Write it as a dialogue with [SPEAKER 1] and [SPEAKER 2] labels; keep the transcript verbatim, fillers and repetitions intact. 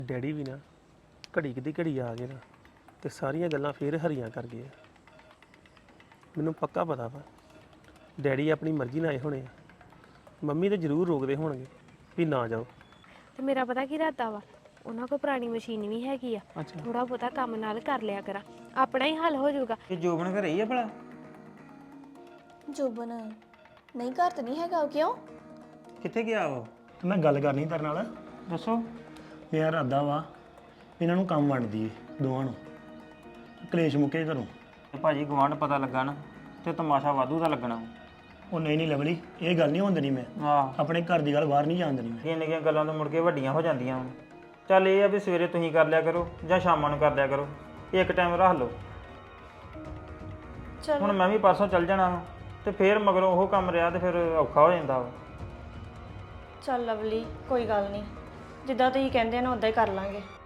[SPEAKER 1] Daddy ਵੀ ਨਾ ਘੜੀ ਕਿਦੀ ਘੜੀ ਆ ਗਏ ਨਾ ਤੇ ਸਾਰੀਆਂ ਗੱਲਾਂ ਫੇਰ ਹਰੀਆਂ ਕਰ ਗਏ ਆ। ਮੈਨੂੰ ਪੱਕਾ ਪਤਾ ਵਾ ਡੈਡੀ ਆਪਣੀ ਮਰਜ਼ੀ ਨਾਲ ਆਏ ਹੋਣੇ ਆ। ਮੰਮੀ ਤਾਂ ਜ਼ਰੂਰ ਰੋਕਦੇ ਹੋਣਗੇ ਵੀ ਨਾ ਜਾਓ।
[SPEAKER 2] ਤੇ ਮੇਰਾ ਪਤਾ ਕੀ ਇਰਾਦਾ ਵਾ, ਉਹਨਾਂ ਕੋਲ ਪੁਰਾਣੀ ਮਸ਼ੀਨ ਵੀ ਹੈਗੀ ਆ,
[SPEAKER 1] ਅੱਛਾ
[SPEAKER 2] ਥੋੜਾ ਬਹੁਤਾ ਕੰਮ ਨਾਲ ਕਰ ਲਿਆ ਕਰਾਂ, ਆਪਣਾ ਹੀ ਹੱਲ ਹੋ ਜਾਊਗਾ।
[SPEAKER 3] ਇਹ ਜੋਬਨ ਘਰੇ ਹੀ ਆ ਭਲਾ?
[SPEAKER 4] ਜੋਬਨ ਨਹੀਂ ਘਰ ਤਾਂ ਨਹੀਂ ਹੈਗਾ। ਕਿਉਂ?
[SPEAKER 3] ਕਿੱਥੇ ਗਿਆ ਉਹ?
[SPEAKER 5] ਤੇ ਮੈਂ ਗੱਲ ਕਰਨੀ ਤੇਰੇ ਨਾਲ।
[SPEAKER 3] ਦੱਸੋ।
[SPEAKER 5] ਮੇਰਾ ਇਰਾਦਾ ਵਾ ਇਹਨਾਂ ਨੂੰ ਕੰਮ ਵੰਡ ਦਈਏ ਦੋਵਾਂ ਨੂੰ, ਕਲੇਸ਼ ਮੁੱਕੇ ਘਰੋਂ।
[SPEAKER 3] ਤੇ ਭਾਜੀ ਗਵਾਂਢ ਪਤਾ ਲੱਗਾ ਨਾ ਤੇ ਤਮਾਸ਼ਾ ਵਾਧੂ ਦਾ ਲੱਗਣਾ।
[SPEAKER 5] ਉਹ ਨਹੀਂ ਨਹੀਂ ਲਵਲੀ, ਇਹ ਗੱਲ ਨਹੀਂ ਹੋਣ ਦੇਣੀ ਮੈਂ।
[SPEAKER 3] ਆਹ
[SPEAKER 5] ਆਪਣੇ ਘਰ ਦੀ ਗੱਲ ਬਾਹਰ ਨਹੀਂ ਜਾਣ ਦੇਣੀ ਮੈਂ।
[SPEAKER 3] ਨਿੱਕੀਆਂ ਨਿੱਕੀਆਂ ਗੱਲਾਂ ਤੋਂ ਮੁੜ ਕੇ ਵੱਡੀਆਂ ਹੋ ਜਾਂਦੀਆਂ ਹੁਣ। ਚੱਲ ਇਹ ਆ ਵੀ ਸਵੇਰੇ ਤੁਸੀਂ ਕਰ ਲਿਆ ਕਰੋ ਜਾਂ ਸ਼ਾਮਾਂ ਨੂੰ ਕਰ ਲਿਆ ਕਰੋ, ਇੱਕ ਟਾਈਮ ਰੱਖ ਲਓ।
[SPEAKER 4] ਚਲ
[SPEAKER 3] ਹੁਣ ਮੈਂ ਵੀ ਪਰਸੋਂ ਚੱਲ ਜਾਣਾ ਵਾ ਤੇ ਫੇਰ ਮਗਰੋਂ ਉਹ ਕੰਮ ਰਿਹਾ ਤੇ ਫਿਰ ਔਖਾ ਹੋ ਜਾਂਦਾ ਵਾ।
[SPEAKER 4] ਚੱਲ ਲਵਲੀ, ਕੋਈ ਗੱਲ ਨਹੀਂ, ਜਿੱਦਾਂ ਤੁਸੀਂ ਕਹਿੰਦੇ ਨਾ ਉਦਾਂ ਹੀ ਕਰ ਲਾਂਗੇ।